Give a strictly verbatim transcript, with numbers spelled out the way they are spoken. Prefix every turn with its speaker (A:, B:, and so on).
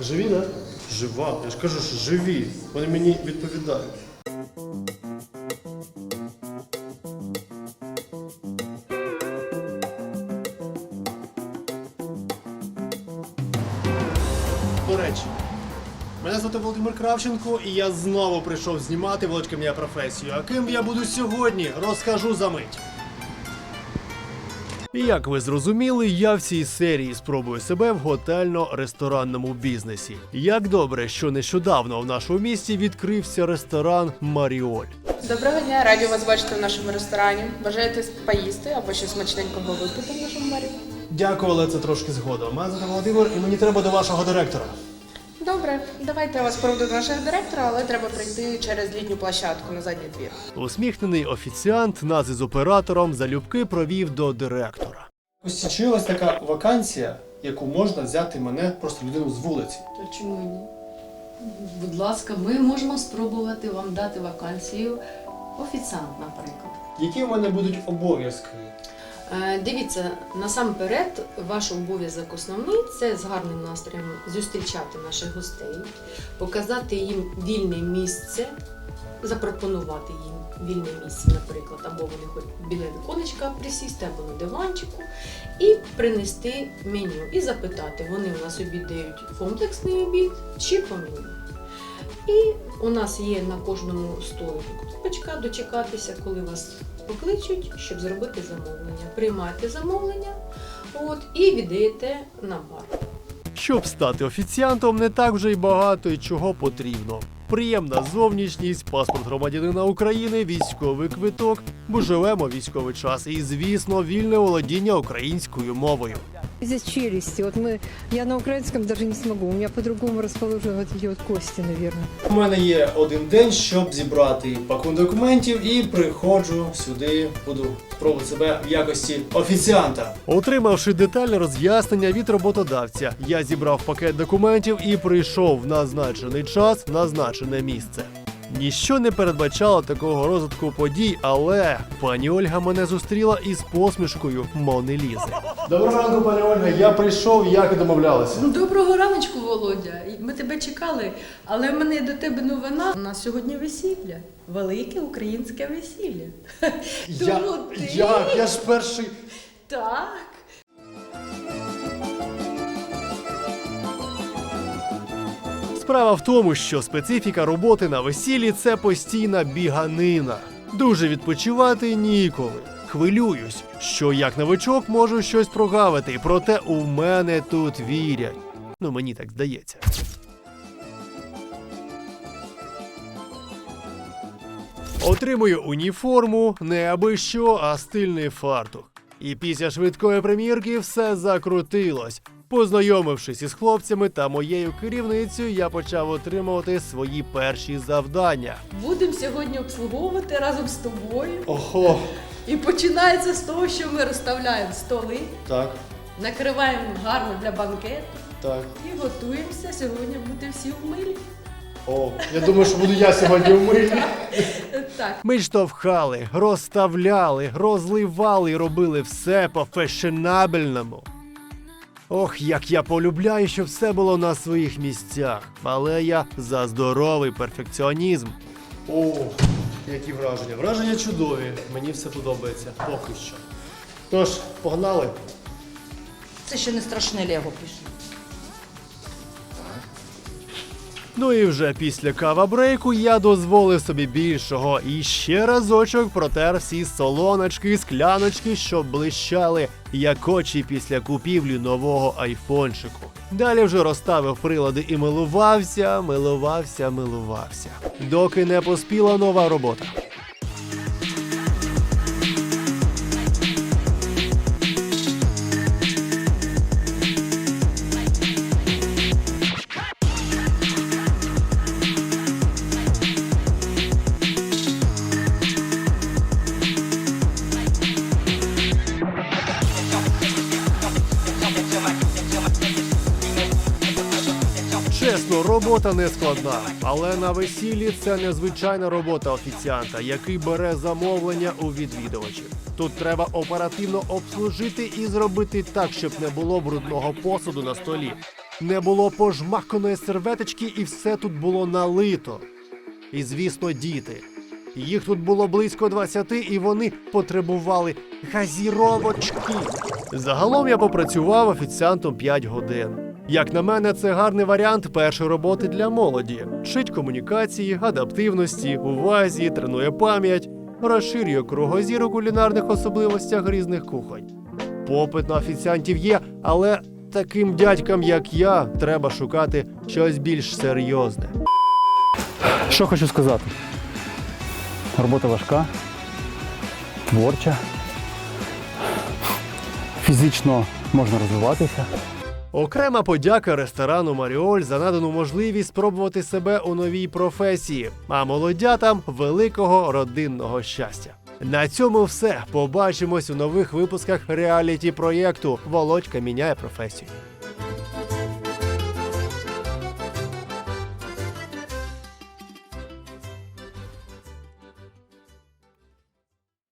A: Живі, так? Да? Жива. Я ж кажу, що живі. Вони мені відповідають. До речі, мене звати Володимир Кравченко, і я знову прийшов знімати «Володька, моя професію». А ким я буду сьогодні, розкажу за мить. Як ви зрозуміли, я в цій серії спробую себе в готельно-ресторанному бізнесі. Як добре, що нещодавно в нашому місті відкрився ресторан «Маріоль».
B: Доброго дня, раді вас бачити в нашому ресторані. Бажаєте поїсти або щось смачненького випити в нашому барі?
A: Дякую, але це трошки згодом. Мене звати Володимир, і мені треба до вашого директора.
B: Добре, давайте я вас проведу до нашого директора, але треба прийти через літню площадку на задній двір.
A: Усміхнений офіціант нас із оператором залюбки провів до директора. Ось чи ось така вакансія, яку можна взяти мене, просто людину з вулиці.
C: То чому ні? Будь ласка, ми можемо спробувати вам дати вакансію офіціант, наприклад.
A: Які в мене будуть обов'язки?
C: Е, Дивіться, насамперед, ваш обов'язок основний – це з гарним настроєм зустрічати наших гостей, показати їм вільне місце, запропонувати їм вільне місце, наприклад, або вони хоч біля віконечка присісти, або на диванчику, і принести меню, і запитати, вони у нас обідають комплексний обід чи по меню. І у нас є на кожному столику кнопочка «Дочекатися», коли вас покличуть, щоб зробити замовлення. Приймаєте замовлення от, і віддаєте на бар.
A: Щоб стати офіціантом, не так вже й багато і чого потрібно. Приємна зовнішність, паспорт громадянина України, військовий квиток, бо живемо в військовий час і, звісно, вільне володіння українською мовою.
D: Здесь челюсти. Вот мы, я на украинском даже не смогу. У меня по-другому расположены вот эти вот кости, наверное.
A: У мене є один день, щоб зібрати пакун документів, і приходжу сюди, буду спробувати себе в якості офіціанта. Отримавши детальне роз'яснення від роботодавця, я зібрав пакет документів і прийшов в назначений час, в назначене місце. Ніщо не передбачало такого розвитку подій, але пані Ольга мене зустріла із посмішкою Мони Лізи. Доброго ранку, пані Ольга. Я прийшов, як і домовлялися.
C: Доброго раночку, Володя. Ми тебе чекали, але в мене до тебе новина. У нас сьогодні весілля. Велике українське весілля.
A: Я,
C: Тому ти-
A: як? Я ж перший...
C: Так.
A: Справа в тому, що специфіка роботи на весіллі – це постійна біганина. Дуже відпочивати ніколи. Хвилююсь, що як новичок можу щось прогавити, проте у мене тут вірять. Ну, мені так здається. Отримую уніформу, не аби що, а стильний фартух. І після швидкої примірки все закрутилось. Познайомившись із хлопцями та моєю керівницею, я почав отримувати свої перші завдання.
C: Будемо сьогодні обслуговувати разом з тобою.
A: Ого,
C: І починається з того, що ми розставляємо столи,
A: так,
C: накриваємо гарно для банкету
A: так.
C: і готуємося сьогодні бути всі в милі.
A: О, я думаю, що буду я сьогодні в милі.
C: Так.
A: Ми штовхали, розставляли, розливали і робили все по фешенабельному. Ох, як я полюбляю, щоб все було на своїх місцях. Але я за здоровий перфекціонізм. О, які враження. Враження чудові. Мені все подобається. Поки що. Тож, погнали.
E: Це ще не страшне Лего пише.
A: Ну і вже після кава-брейку я дозволив собі більшого і ще разочок протер всі солоночки, скляночки, щоб блищали, як очі після купівлі нового айфончику. Далі вже розставив прилади і милувався, милувався, милувався. Доки не поспіла нова робота. Чесно, робота не складна, але на весіллі це незвичайна робота офіціанта, який бере замовлення у відвідувачів. Тут треба оперативно обслужити і зробити так, щоб не було брудного посуду на столі. Не було пожмаканої серветочки, і все тут було налито. І, звісно, діти. Їх тут було близько двадцяти, і вони потребували газіровочки. Загалом я попрацював офіціантом п'ять годин. Як на мене, це гарний варіант першої роботи для молоді. Вчить комунікації, адаптивності, увазі, тренує пам'ять, розширює кругозір у кулінарних особливостях різних кухонь. Попит на офіціантів є, але таким дядькам, як я, треба шукати щось більш серйозне.
F: Що хочу сказати? Робота важка, творча, фізично можна розвиватися.
A: Окрема подяка ресторану «Маріоль» за надану можливість спробувати себе у новій професії, а молодятам – великого родинного щастя. На цьому все. Побачимось у нових випусках реаліті-проєкту «Володька міняє професію».